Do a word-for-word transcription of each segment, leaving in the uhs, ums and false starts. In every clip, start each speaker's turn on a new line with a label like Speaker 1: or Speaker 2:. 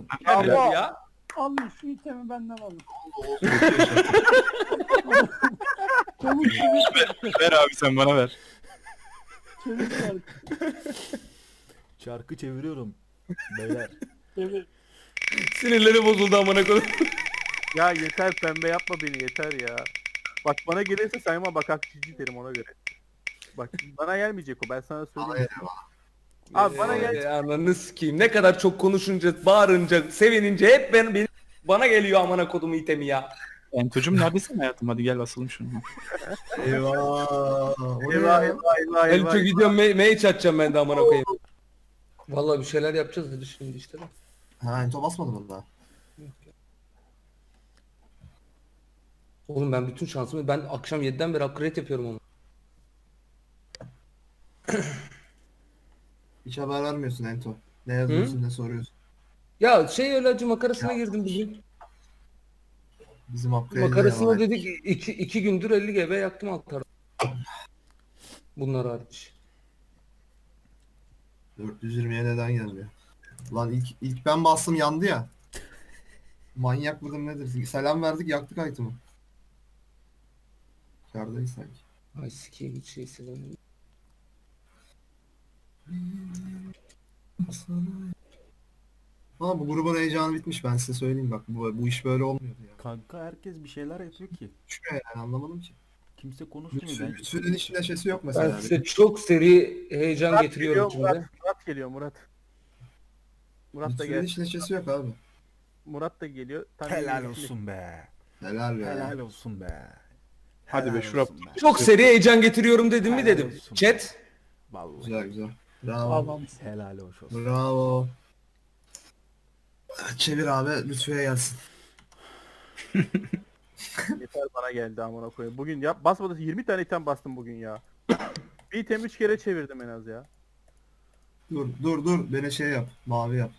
Speaker 1: olsun.
Speaker 2: Nerede
Speaker 3: Allah!
Speaker 2: ya?
Speaker 3: Alın şu itemi benden alın.
Speaker 4: Oldu.
Speaker 3: Çabuk çabuk.
Speaker 4: Ver abi sen bana ver.
Speaker 3: Çevir çarkı.
Speaker 1: Çarkı çeviriyorum. Beyler.
Speaker 3: Evet.
Speaker 2: Sinirleri bozuldu amına koyayım.
Speaker 5: Ya yeter pembe yapma beni yeter ya. Bak bana gelirse sayma bak hakçıcı derim ona göre. Bak bana gelmeyecek o ben sana söyleyeyim. Abi bana gel.
Speaker 2: Ee, Ananı sikeyim. Ne kadar çok konuşunca, bağırınca, sevinince hep ben, benim, bana geliyor amına kodumu itemi ya.
Speaker 4: Entocuğum neredesin hayatım? Hadi gel basalım şunu.
Speaker 6: Eyvah. O ne
Speaker 5: Eyvah
Speaker 6: ya?
Speaker 5: eyvah eyvah
Speaker 2: Elço
Speaker 5: eyvah.
Speaker 2: gidiyorum me mage atacağım ben de amına koyayım. Vallahi bir şeyler yapacağız dedi şimdi işte.
Speaker 6: Ha ento basmadım onu daha.
Speaker 2: Oğlum ben bütün şansımı ben akşam yediden beri upgrade yapıyorum onu.
Speaker 6: Hiç haber vermiyorsun ento. Ne yazıyorsun ne soruyorsun.
Speaker 2: Ya şey öyle acı makarasına girdim bugün.
Speaker 6: Bizim upgrade'e
Speaker 2: Makarasına
Speaker 6: devam et.
Speaker 2: dedik iki, iki gündür elli G B yaktım altlarda. Bunlar hariç.
Speaker 6: dört yüz yirmiye neden gelmiyor? Lan ilk, ilk ben bastım yandı ya. Manyak mıdır nedir? Selam verdik yaktık item'ı. Kârdayız sanki.
Speaker 2: Ay sikeyim hiç şey sevmiyorum.
Speaker 6: Ama bu grubun heyecanı bitmiş ben size söyleyeyim bak bu, bu iş böyle olmuyor ya.
Speaker 1: Kanka herkes bir şeyler yapıyor ki.
Speaker 6: Düşmüyor yani anlamadım ki.
Speaker 1: Kimse konuşmuyor.
Speaker 6: Lütfü,
Speaker 1: Ben
Speaker 6: Lütfü'nün hiç neşesi yok
Speaker 2: Ben
Speaker 6: mesela.
Speaker 2: size çok seri heyecan
Speaker 5: Murat
Speaker 2: getiriyorum
Speaker 5: geliyor, Murat,
Speaker 2: şimdi.
Speaker 5: Murat geliyor Murat. Murat da
Speaker 6: Lütfü'nün
Speaker 5: gel.
Speaker 6: hiç neşesi yok abi.
Speaker 5: Murat da geliyor. Tam
Speaker 1: helal
Speaker 5: yeni-
Speaker 1: olsun be.
Speaker 6: Helal be.
Speaker 1: Helal olsun be.
Speaker 4: Hadi be,
Speaker 1: Helal
Speaker 4: şuraya-
Speaker 1: olsun be.
Speaker 2: Çok seri heyecan getiriyorum dedim mi
Speaker 1: Helal
Speaker 2: dedim.
Speaker 1: olsun.
Speaker 2: Chat.
Speaker 1: Vallahi.
Speaker 6: Güzel güzel. Bravo.
Speaker 3: Allah'ım.
Speaker 1: Helal hoş olsun.
Speaker 6: Bravo. Çevir abi Lütfü'ye gelsin.
Speaker 5: Yeter bana geldi amına koyayım. Bugün ya basmadı yirmi tane item bastım bugün ya. Bir item üç kere çevirdim en az ya.
Speaker 6: Dur dur dur beni şey yap. Mavi yap.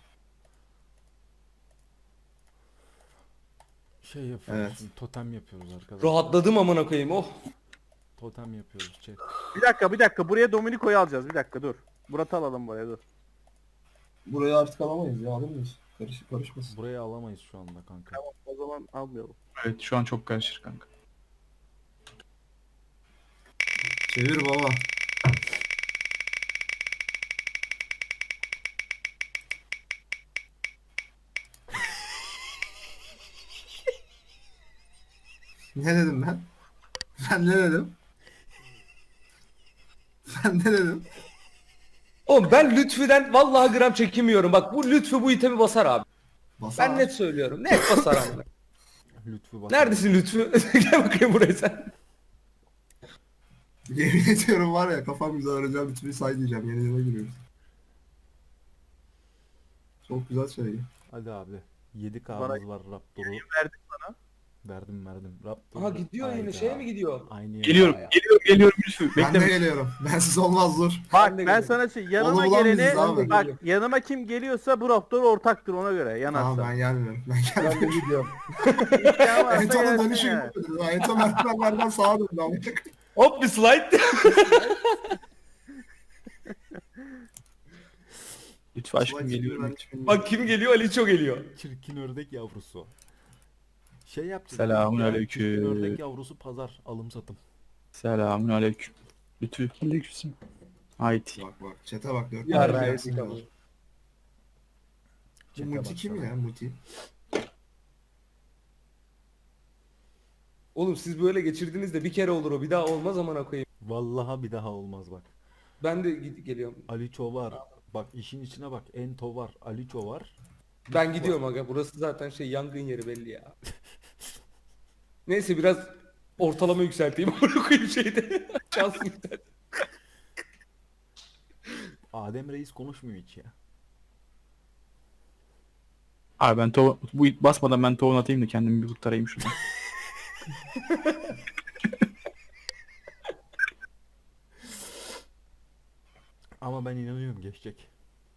Speaker 1: Şey yapıyoruz.
Speaker 6: Evet.
Speaker 1: Totem yapıyoruz arkadaşlar.
Speaker 2: Rahatladım amına koyayım oh.
Speaker 1: Totem yapıyoruz chat.
Speaker 5: Bir dakika bir dakika buraya Dominico'yu alacağız bir dakika dur. Murat'ı alalım buraya dur.
Speaker 6: Burayı artık alamayız ya alır mıyız? Karışık karışmasın.
Speaker 1: Burayı alamayız şu anda kanka.
Speaker 5: Tamam o zaman almayalım.
Speaker 4: Evet şu an çok karışır kanka.
Speaker 6: Çevir baba. Ne dedim ben? Ben ne dedim? Ben ne dedim?
Speaker 2: Oğlum ben Lütfü'den vallahi gram çekinmiyorum. Bak bu Lütfü bu itemi basar abi.
Speaker 6: Basar.
Speaker 2: Ben net söylüyorum. Net basar amına.
Speaker 1: Lütfü bak.
Speaker 2: Neredesin Lütfü? Gel bakayım buraya sen.
Speaker 6: Yemin ediyorum var ya kafam güzel arayacağım bir türlü say diyeceğim. Yeni yıla giriyoruz. Çok güzel söylüyor.
Speaker 1: Hadi abi. yedi
Speaker 5: Bana-
Speaker 1: K'mız var Raptor'u.
Speaker 5: Verdik sana.
Speaker 1: Verdim verdim. Raptor.
Speaker 2: Aha gidiyor yine şeye mi gidiyor?
Speaker 1: Aynı yere.
Speaker 4: Geliyorum,
Speaker 2: ya.
Speaker 4: geliyorum, geliyorum Lütfü.
Speaker 6: Ben de
Speaker 4: Bekleme.
Speaker 6: geliyorum. Bensiz olmaz dur.
Speaker 5: Bak
Speaker 2: de
Speaker 5: ben
Speaker 2: geliyorum.
Speaker 5: sana şey yanıma
Speaker 6: Onu bulan biziz
Speaker 5: geleni
Speaker 6: abi.
Speaker 5: bak yanıma kim geliyorsa bu raptor ortaktır ona göre yanarsa.
Speaker 6: Tamam ben gelmiyorum. Ben
Speaker 2: Ben de
Speaker 6: gelmiyorum.
Speaker 2: gidiyorum.
Speaker 5: İsteyen varsa
Speaker 6: Ento'nun
Speaker 5: gelsin
Speaker 6: dönüşü
Speaker 5: yani.
Speaker 6: gibi. Ento merdivenlerden sağa döndü ama.
Speaker 2: Hop bir slide.
Speaker 4: Lütfü aşkım geliyorum.
Speaker 2: Bak kim geliyor? Ali çok geliyor.
Speaker 1: Çirkin ördek yavrusu. Şey yapacağız.
Speaker 4: Selamun
Speaker 1: Ya,
Speaker 4: aleyküm.
Speaker 1: Çirkin ördek yavrusu pazar. Alım satım.
Speaker 4: Selamun aleyküm. Lütfü. Aleykümselam. Haydi.
Speaker 6: Bak bak çete bak dört
Speaker 2: Ya
Speaker 6: tane
Speaker 2: be,
Speaker 6: resim var. Bu
Speaker 1: Çete
Speaker 6: Muti kim
Speaker 1: baksana.
Speaker 6: ya Muti?
Speaker 2: Oğlum siz böyle geçirdiniz de bir kere olur o. Bir daha olmaz amına koyayım.
Speaker 1: Vallahi bir daha olmaz bak.
Speaker 2: Ben de gid- geliyorum.
Speaker 1: Aliço var. Bak işin içine bak. Ento var. Aliço var.
Speaker 2: Ben gidiyorum aga. Burası zaten şey yangın yeri belli ya. Neyse biraz ortalama yükselteyim. Amına koyayım şeyde. Şansım yükselt.
Speaker 1: Adem Reis konuşmuyor hiç ya.
Speaker 4: Abi ben to bu basmadan ben tohum atayım da kendimi bir kurtarayım şuradan.
Speaker 1: Ama ben inanıyorum geçecek.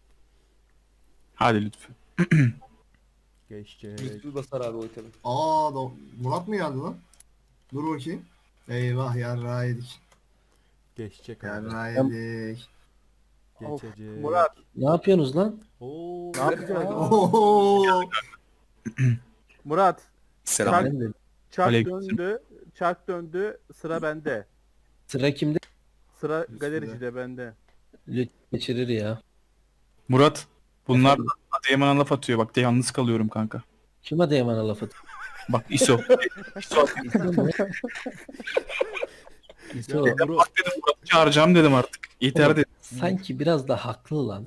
Speaker 4: Hadi Lütfü.
Speaker 1: Geçecek.
Speaker 2: Lütfü basar abi o itemi.
Speaker 6: Aa da Murat mı geldi lan? Dur bakayım. Eyvah yarrağı yedik.
Speaker 1: Geçecek abi.
Speaker 6: Yarrağı yedik.
Speaker 3: Of,
Speaker 1: Geçecek.
Speaker 5: Murat
Speaker 7: Ne yapıyorsunuz lan?
Speaker 1: Oo.
Speaker 5: ne yapacağız?
Speaker 6: Oho.
Speaker 5: Murat
Speaker 7: Selam.
Speaker 5: Çak,
Speaker 7: Ben de.
Speaker 5: çak
Speaker 4: Aleyküm.
Speaker 5: döndü. Çak döndü. Sıra bende.
Speaker 7: Sıra kimde?
Speaker 5: Sıra galericide bende.
Speaker 7: Lütfen geçirir ya.
Speaker 4: Murat bunlar da Adıyaman'a laf atıyor. Bak de yalnız kalıyorum kanka.
Speaker 7: Kim Adıyaman'a laf atıyor?
Speaker 4: Bak İso. İso.
Speaker 7: İso mu? İso,
Speaker 1: Ya bro,
Speaker 4: Bak dedim Murat'ı çağıracağım dedim artık. Yeter dedim.
Speaker 7: sanki biraz da haklı lan.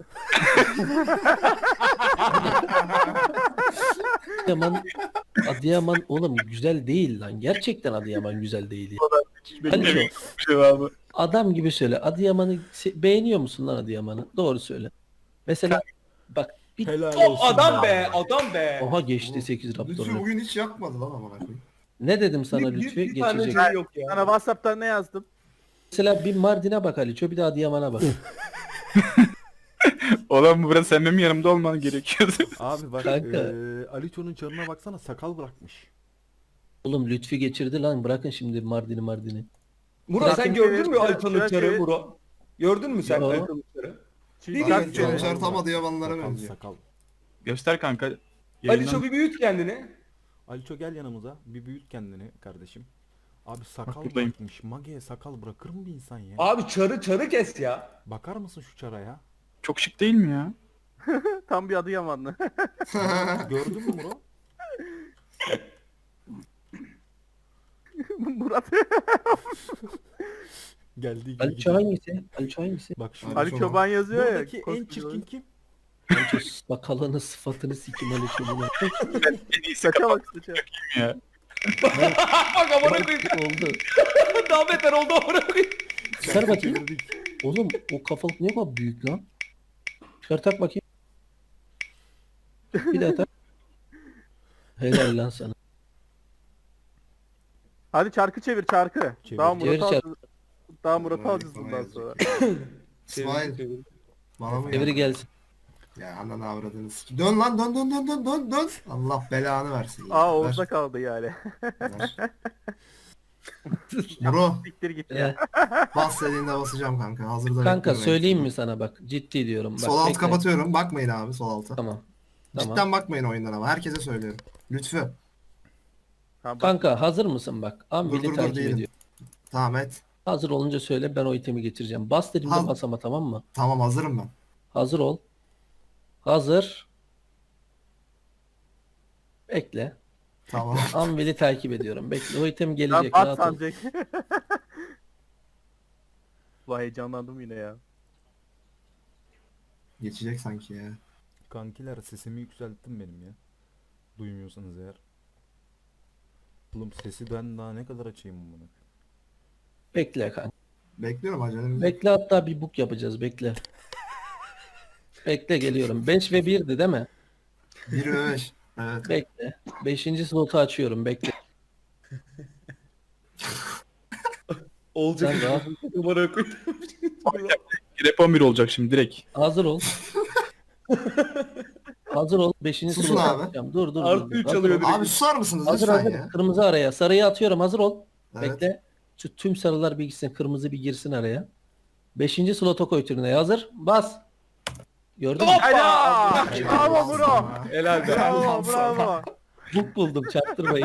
Speaker 7: Adıyaman, Adıyaman oğlum güzel değil lan. Gerçekten Adıyaman güzel değil ya. Aliço,
Speaker 4: Cevabı.
Speaker 7: adam gibi söyle. Adıyaman'ı se- beğeniyor musun lan Adıyaman'ı? Doğru söyle. Mesela bak bir
Speaker 1: helal
Speaker 2: Top
Speaker 1: olsun.
Speaker 2: adam be, adam be.
Speaker 7: oha geçti sekiz
Speaker 6: Lütfü
Speaker 7: Raptor'unu.
Speaker 6: bugün hiç yakmadı lan amına koyayım.
Speaker 7: Ne dedim sana
Speaker 2: Bir, bir,
Speaker 7: Lütfi?
Speaker 2: bir tane
Speaker 7: Geçecek.
Speaker 2: şey yok ya.
Speaker 5: Sana WhatsApp'tan ne yazdım?
Speaker 7: Mesela bir Mardin'e bak Aliço, bir de Adıyaman'a bak.
Speaker 4: Oğlum bu biraz sen benim yanımda olman gerekiyordu.
Speaker 1: Abi bak
Speaker 7: Kanka.
Speaker 1: eee Aliço'nun çarına baksana, sakal bırakmış.
Speaker 7: Oğlum Lütfi geçirdi lan, bırakın şimdi Mardin'i Mardin'i.
Speaker 2: Murat sen
Speaker 5: Bırak
Speaker 2: gördün
Speaker 5: şimdi,
Speaker 2: mü
Speaker 5: bırak
Speaker 2: Altan'ın
Speaker 5: şimdi.
Speaker 2: çarı Murat? Gördün mü sen
Speaker 7: Yo.
Speaker 2: Altan'ın çarı?
Speaker 5: Çünkü
Speaker 2: Bir
Speaker 6: Kanka
Speaker 2: gün
Speaker 6: Can
Speaker 2: sonra-
Speaker 6: Çar tam Adıyamanlara
Speaker 1: Sakal
Speaker 6: benziyor.
Speaker 1: sakal.
Speaker 4: Göster kanka.
Speaker 2: Ali
Speaker 4: Yayından-
Speaker 2: çok bir büyüt kendini.
Speaker 1: Aliço gel yanımıza, bir büyüt kendini kardeşim. Abi sakal
Speaker 4: buradayım.
Speaker 1: bırakmış. Mage'ye sakal bırakır mı bir insan ya?
Speaker 2: Abi çarı çarı kes ya.
Speaker 1: Bakar mısın şu çara ya?
Speaker 4: Çok şık değil mi ya?
Speaker 5: tam bir Adıyamanlı.
Speaker 1: Gördün mü bro?
Speaker 5: Murat.
Speaker 1: Geldiği gibi
Speaker 7: Aliço
Speaker 1: gidiyor.
Speaker 7: hangisi? Aliço hangisi?
Speaker 1: Bak şu
Speaker 6: Ali
Speaker 5: Ali
Speaker 6: Çoban.
Speaker 5: Çoban yazıyor ya.
Speaker 1: buradaki en
Speaker 5: koskoca
Speaker 1: çirkin
Speaker 5: oyun.
Speaker 1: kim?
Speaker 7: Aliço sakalını sıfatını sikim Aliço bunu.
Speaker 4: En iyisi
Speaker 5: Saça bak saça.
Speaker 4: ya.
Speaker 2: Bak amına koyayım.
Speaker 7: Oldu.
Speaker 2: Daha beter oldu amına koyayım.
Speaker 7: Çıkar bakayım.
Speaker 1: Çevirdik.
Speaker 7: Oğlum o kafalık ne kadar büyük lan. Çıkar tak bakayım. Bir daha tak. Helal lan sana.
Speaker 5: Hadi çarkı çevir çarkı.
Speaker 1: Çevir.
Speaker 5: Daha
Speaker 7: Çevir
Speaker 5: Murat'ı
Speaker 7: çarkı.
Speaker 5: alacağız. Daha Murat'ı
Speaker 6: Vay,
Speaker 5: alacağız
Speaker 6: sana
Speaker 5: bundan
Speaker 6: yazacak.
Speaker 5: sonra.
Speaker 6: İsmail bana mı
Speaker 7: Devri
Speaker 6: ya?
Speaker 7: gelsin.
Speaker 6: Ya ananı avradını sik. Dön lan dön dön dön dön dön dön. Allah belanı versin. ya.
Speaker 5: Aa
Speaker 6: Ver,
Speaker 5: Oğuz'da kaldı yani.
Speaker 6: ver. Bro
Speaker 5: Siktir git
Speaker 7: Eh,
Speaker 5: ya.
Speaker 6: bas dediğinde basacağım kanka. Hazırda
Speaker 7: kanka
Speaker 6: bekliyorum.
Speaker 7: söyleyeyim mi sana bak, ciddi diyorum. Bak,
Speaker 6: Sol altı
Speaker 7: bekle.
Speaker 6: kapatıyorum. Bakmayın abi sol alta.
Speaker 7: Tamam. Tamam.
Speaker 6: Cidden bakmayın oyundan ama. Herkese söylüyorum. Lütfü.
Speaker 5: Tamam, bak.
Speaker 7: Kanka hazır mısın bak?
Speaker 6: Dur
Speaker 7: Ambili
Speaker 6: dur dur
Speaker 7: takip
Speaker 6: değilim.
Speaker 7: ediyor.
Speaker 6: Tamam et.
Speaker 7: Hazır olunca söyle, ben o itemi getireceğim. Bas dediğimde
Speaker 6: Haz-
Speaker 7: bas ama, tamam mı?
Speaker 6: Tamam hazırım ben.
Speaker 7: Hazır ol. Hazır. Bekle.
Speaker 6: Tamam.
Speaker 7: Ambili takip ediyorum. Bekle, o item
Speaker 5: Lan
Speaker 7: gelecek.
Speaker 5: at
Speaker 7: Rahat ol.
Speaker 5: sanacak. Vay heyecanlandım yine ya.
Speaker 6: Geçecek sanki ya.
Speaker 1: Kankiler, sesimi yükselttim benim ya. Duymuyorsanız eğer. Oğlum sesi ben daha ne kadar açayım bunu?
Speaker 7: Bekle kanka.
Speaker 6: Bekliyorum acelem.
Speaker 7: Bekle, hatta bir book yapacağız, bekle. Bekle geliyorum. beş ve birdi değil mi?
Speaker 6: bir ve beş. Evet.
Speaker 7: Bekle. beşinci slotu açıyorum, bekle.
Speaker 2: Olacak.
Speaker 7: Sen rahat.
Speaker 2: Amına koyayım.
Speaker 4: Rap on bir olacak şimdi direkt.
Speaker 7: Hazır ol. Hazır ol. beşinci
Speaker 6: Susun
Speaker 7: slotu
Speaker 6: abi.
Speaker 7: açacağım. Dur dur dur.
Speaker 2: Artı
Speaker 7: dur.
Speaker 2: üç
Speaker 7: Hazır
Speaker 2: alıyor
Speaker 7: ol.
Speaker 2: direkt.
Speaker 6: Abi susar mısınız
Speaker 7: Hazır
Speaker 6: lütfen
Speaker 7: hazır.
Speaker 6: ya?
Speaker 7: Kırmızı araya. Sarıyı atıyorum. Hazır ol.
Speaker 6: Evet.
Speaker 7: Bekle. Şu tüm sarılar bir gitsin. Kırmızı bir girsin araya. Beşinci slota koy turneye. Hazır. Bas. Gördün mü?
Speaker 5: Helal!
Speaker 6: Helal
Speaker 5: Bravo
Speaker 6: olsun
Speaker 5: bro!
Speaker 6: sana.
Speaker 2: Helal be.
Speaker 5: Bravo bravo!
Speaker 7: Book buldum. Çaktırmayın.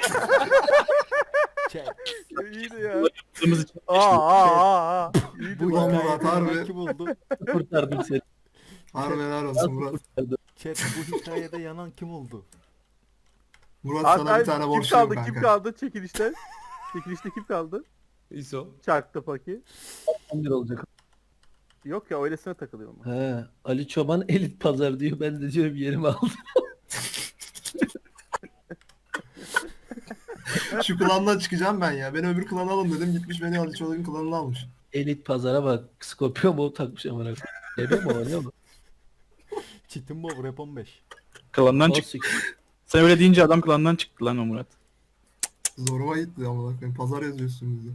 Speaker 1: Çek.
Speaker 5: İyiydi ya.
Speaker 4: Kırmızı için
Speaker 5: Aa aa aa aa. İyiydi
Speaker 1: Bu
Speaker 5: bu.
Speaker 6: Ulan
Speaker 1: hikayede
Speaker 6: Murat, harbi.
Speaker 1: yanan kim oldu?
Speaker 7: Kurtardım seni.
Speaker 6: Harbi helal olsun
Speaker 7: Nasıl
Speaker 6: Murat.
Speaker 7: kurtardım?
Speaker 1: Chat, bu hikayede yanan kim oldu?
Speaker 6: Murat
Speaker 5: Abi,
Speaker 6: sana bir
Speaker 5: abi,
Speaker 6: tane
Speaker 5: kim
Speaker 6: borçluyum
Speaker 5: kaldı?
Speaker 6: kanka.
Speaker 5: Kim kaldı çekilişte? Çekilişte kim kaldı?
Speaker 2: İso.
Speaker 5: Çarkta paki.
Speaker 7: on bir olacak.
Speaker 5: Yok ya öylesine takılıyorum. ben.
Speaker 7: He. Ali Çoban elit pazar diyor. Ben de diyorum yerimi aldım.
Speaker 6: Şu klandan çıkacağım ben ya. Beni öbür klana alın dedim. Gitmiş beni Ali Çolak'ın klanına almış.
Speaker 7: Elit pazara bak. Scorpio mu takmış amına. Geliyor mu oynuyor mu?
Speaker 1: Çitin Bob Rap on beş.
Speaker 4: klandan
Speaker 7: O
Speaker 4: çıktı.
Speaker 7: sik-
Speaker 4: Sen öyle deyince adam klandan çıktı lan o Murat.
Speaker 6: Zoruma gitti ama bak pazar yazıyorsun bize.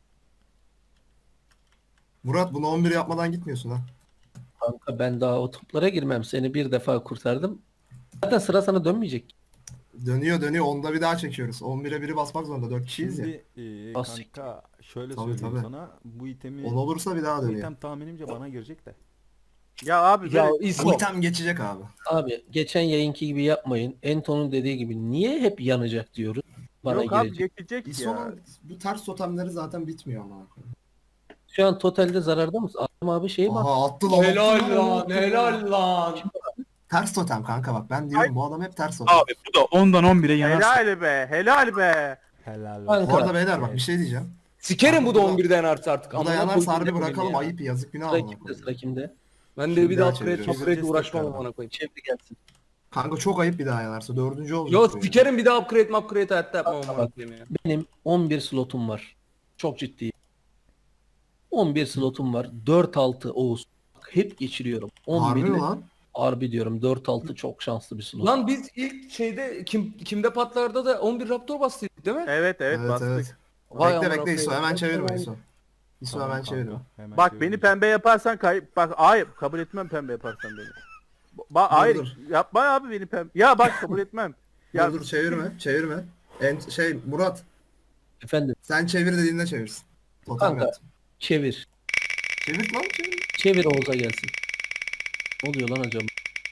Speaker 6: Murat bunu on bir yapmadan gitmiyorsun ha.
Speaker 7: Kanka ben daha o toplara girmem. Seni bir defa kurtardım. Zaten sıra sana dönmeyecek.
Speaker 6: Dönüyor dönüyor. Onda bir daha çekiyoruz. on bire biri basmak zorunda. dört kişiyiz ya.
Speaker 1: Şimdi eee,
Speaker 7: Asik.
Speaker 1: kanka şöyle
Speaker 6: Tabii,
Speaker 1: söyleyeyim
Speaker 6: tabii.
Speaker 1: sana. Bu itemi
Speaker 6: on olursa bir daha
Speaker 1: bu
Speaker 6: dönüyor.
Speaker 1: item tahminimce bana girecek de.
Speaker 5: Ya abi
Speaker 2: Ya
Speaker 5: böyle-
Speaker 2: İso.
Speaker 6: Bu item geçecek abi.
Speaker 7: Abi geçen yayınki gibi yapmayın. Ento'nun dediği gibi niye hep yanacak diyoruz. Bana
Speaker 5: yok abi
Speaker 7: gelecek.
Speaker 5: geçecek ya.
Speaker 6: İso'nun bu ters totemleri zaten bitmiyor ama.
Speaker 7: Şu an totalde zararda mısın? Adam abi şey bak.
Speaker 6: Aha attı lan. attı
Speaker 2: Helal lan,
Speaker 6: attı
Speaker 2: helal lan.
Speaker 6: Ters totem kanka bak ben diyorum bu adam hep ters totem.
Speaker 4: Abi bu da ondan on bire yanarsa.
Speaker 5: Helal be, helal be.
Speaker 1: Helal
Speaker 7: Kanka.
Speaker 1: olsun.
Speaker 6: Bu arada beyler bak bir şey diyeceğim.
Speaker 2: Sikerim bu da
Speaker 6: Bu da-
Speaker 2: on birden artsa artık.
Speaker 6: Bu da
Speaker 2: Amına
Speaker 6: yanarsa
Speaker 2: koyayım,
Speaker 6: harbi
Speaker 2: ne koyayım
Speaker 6: bırakalım
Speaker 2: ya.
Speaker 6: ayıp yazık günah
Speaker 7: Sıra
Speaker 6: amına
Speaker 7: kimde?
Speaker 6: koyayım.
Speaker 7: Sıra kimde?
Speaker 2: Ben de
Speaker 6: Şimdi
Speaker 2: bir
Speaker 6: daha
Speaker 2: daha upgrade
Speaker 6: çeviriyoruz.
Speaker 2: upgrade
Speaker 1: Çevireceğiz
Speaker 2: uğraşmam
Speaker 1: tekrardan.
Speaker 2: amına koyayım.
Speaker 7: Çevre gelsin.
Speaker 6: Kanka çok ayıp bir daha yanarsa dördüncü olacak.
Speaker 2: Yo
Speaker 6: bu ya.
Speaker 2: sikerim bir daha upgrade upgrade hayatta yapmam amına koyayım ya.
Speaker 7: Benim on bir slotum var. Çok ciddiyim. on bir slotum var. dört altı Oğuz. Bak, hep geçiriyorum.
Speaker 6: Harbi mi
Speaker 7: on bir
Speaker 6: lan?
Speaker 7: harbi diyorum. dört altı çok şanslı bir slot.
Speaker 2: Lan biz ilk şeyde kim kimde patlarda da on bir Raptor bastıydık değil mi?
Speaker 5: Evet evet,
Speaker 6: Evet
Speaker 5: bastık.
Speaker 6: evet.
Speaker 2: Vay
Speaker 6: Bekle
Speaker 2: amına
Speaker 6: bekle İso
Speaker 2: koyayım.
Speaker 6: hemen çevirme İso. İso
Speaker 1: Tamam
Speaker 6: hemen
Speaker 1: kanka,
Speaker 6: çevirme.
Speaker 1: hemen
Speaker 5: Bak beni
Speaker 1: çeviriyorum.
Speaker 5: pembe yaparsan kayıp. Bak hayır kabul etmem pembe yaparsan beni. Ba hayır
Speaker 6: dur.
Speaker 5: yapma abi beni pembe. Ya bak kabul etmem. Ya
Speaker 6: Dur dur çevirme çevirme. En, şey Murat
Speaker 7: Efendim
Speaker 6: sen çevir dediğinde çevirsin. Totem
Speaker 7: Kanka.
Speaker 6: yaptım.
Speaker 7: çevir.
Speaker 6: Çevir lan çevir.
Speaker 7: Çevir Oğuz'a gelsin. Ne oluyor lan acaba?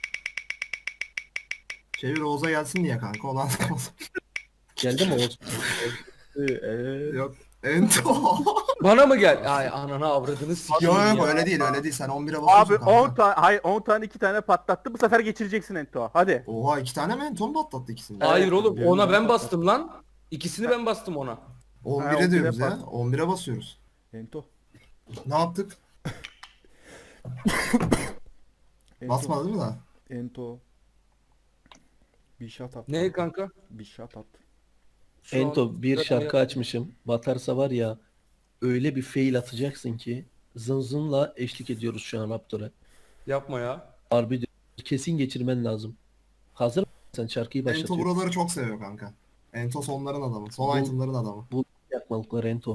Speaker 6: Çevir Oğuz'a gelsin diye kanka olan
Speaker 7: Geldi mi Oğuz?
Speaker 5: Ee,
Speaker 6: Yok. Ento.
Speaker 2: Bana mı gel? Ay anana avradını sikeyim
Speaker 6: Yok yok
Speaker 2: ya.
Speaker 6: öyle değil öyle değil sen on bire basıyorsun
Speaker 5: abi
Speaker 6: kanka.
Speaker 5: on tane hayır on tane iki tane patlattı. Bu sefer geçireceksin Ento. Hadi.
Speaker 6: Oha iki tane mi Ento mu patlattı ikisini?
Speaker 2: Hayır oğlum
Speaker 1: birini
Speaker 2: ona
Speaker 1: ben
Speaker 2: ben bastım lan. İkisini ben bastım ona.
Speaker 6: on
Speaker 5: Ha,
Speaker 6: bire
Speaker 5: on bire
Speaker 6: diyoruz ya.
Speaker 5: bas.
Speaker 6: on bire basıyoruz.
Speaker 1: Ento.
Speaker 6: Ne yaptık?
Speaker 1: Ento.
Speaker 6: Basmadı değil mi daha?
Speaker 1: Ento. Bir shot at.
Speaker 2: Ne kanka?
Speaker 1: Bir shot at.
Speaker 2: Şu an-
Speaker 7: Ento bir şarkı açmışım. Batarsa var ya öyle bir fail atacaksın ki zın zınla eşlik ediyoruz şu an Raptor'a.
Speaker 2: Yapma ya.
Speaker 7: Harbi diyorum. Kesin geçirmen lazım. Hazır mısın? Sen şarkıyı
Speaker 6: Ento
Speaker 7: başlatıyor.
Speaker 6: buraları çok seviyor kanka. Ento sonların adamı. Son
Speaker 7: Bu-
Speaker 6: itemların adamı.
Speaker 7: Yakmalıklar Ento.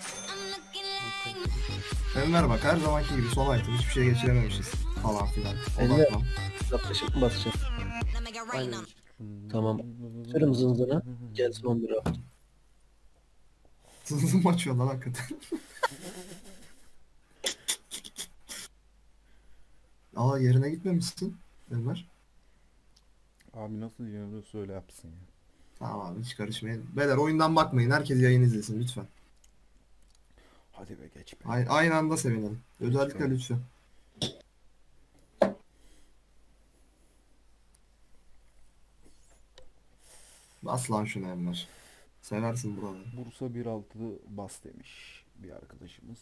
Speaker 6: Enver bak her zamanki gibi son item hiçbir şey geçirememişiz falan filan.
Speaker 7: Enver.
Speaker 6: Odaklan.
Speaker 7: Yaklaşık mı basacağım?
Speaker 2: Aynen.
Speaker 7: Tamam. Sürüm zınzına. Gelsin on bir Raptor.
Speaker 6: Zızım açıyor lan hakikaten. Aa yerine gitmemişsin Enver.
Speaker 1: Abi nasıl diyor söyle yapsın ya.
Speaker 6: Tamam abi hiç karışmayın. Beyler oyundan bakmayın. Herkes yayın izlesin lütfen.
Speaker 1: Hadi be geç be.
Speaker 6: Ay- aynı anda sevinelim. Özellikle lütfen. Bas lan şunu Enver. Seversin buraları.
Speaker 1: Bursa bir altı bas demiş bir arkadaşımız.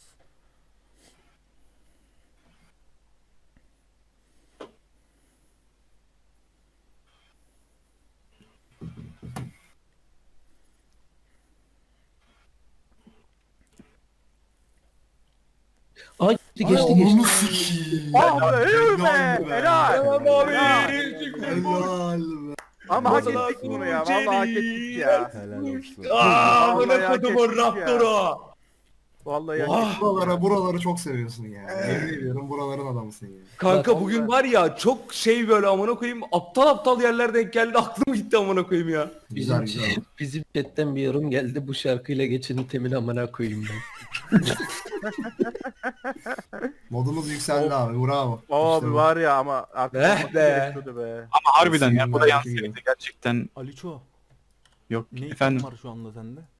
Speaker 7: Aa geçti geçti
Speaker 6: Ay,
Speaker 7: geçti.
Speaker 6: ananı sikeyim.
Speaker 5: Ah be helal
Speaker 6: Helal
Speaker 5: be.
Speaker 6: be.
Speaker 5: Helal.
Speaker 2: Tamam abi.
Speaker 5: Helal.
Speaker 6: Helal be.
Speaker 5: Ama hak
Speaker 2: Masala
Speaker 5: ettik bunu ya. Vallahi hak ettik ya.
Speaker 1: Helal olsun.
Speaker 2: Aaa
Speaker 5: Vallahi
Speaker 2: bana
Speaker 5: hak
Speaker 2: kodumun
Speaker 5: ettik ya.
Speaker 2: Raptor'u.
Speaker 5: Vallahi hak
Speaker 2: Vah.
Speaker 5: ettik.
Speaker 6: Buraları, buraları çok seviyorsun ya. Yemin ediyorum buraların adamısın ya.
Speaker 2: Kanka
Speaker 7: Bak,
Speaker 2: bugün var ya çok şey böyle amına koyayım aptal aptal yerler denk geldi aklım gitti amına koyayım ya.
Speaker 6: Güzel
Speaker 7: Bizim,
Speaker 6: güzel.
Speaker 7: bizim chatten bir yorum geldi. Bu şarkıyla geçenin temin amına koyayım ben.
Speaker 6: Modumuz yükseldi abi. Bravo.
Speaker 5: Abi
Speaker 6: İşte bu.
Speaker 5: var ya ama artık
Speaker 2: Eh
Speaker 5: olması
Speaker 2: be.
Speaker 5: gerekiyordu be.
Speaker 4: Ama harbiden ya bu da
Speaker 6: Kesin
Speaker 4: yansıydı
Speaker 6: belki.
Speaker 4: gerçekten.
Speaker 1: Aliço.
Speaker 4: Yok
Speaker 1: Ne
Speaker 4: efendim.
Speaker 1: item var şu anda sende?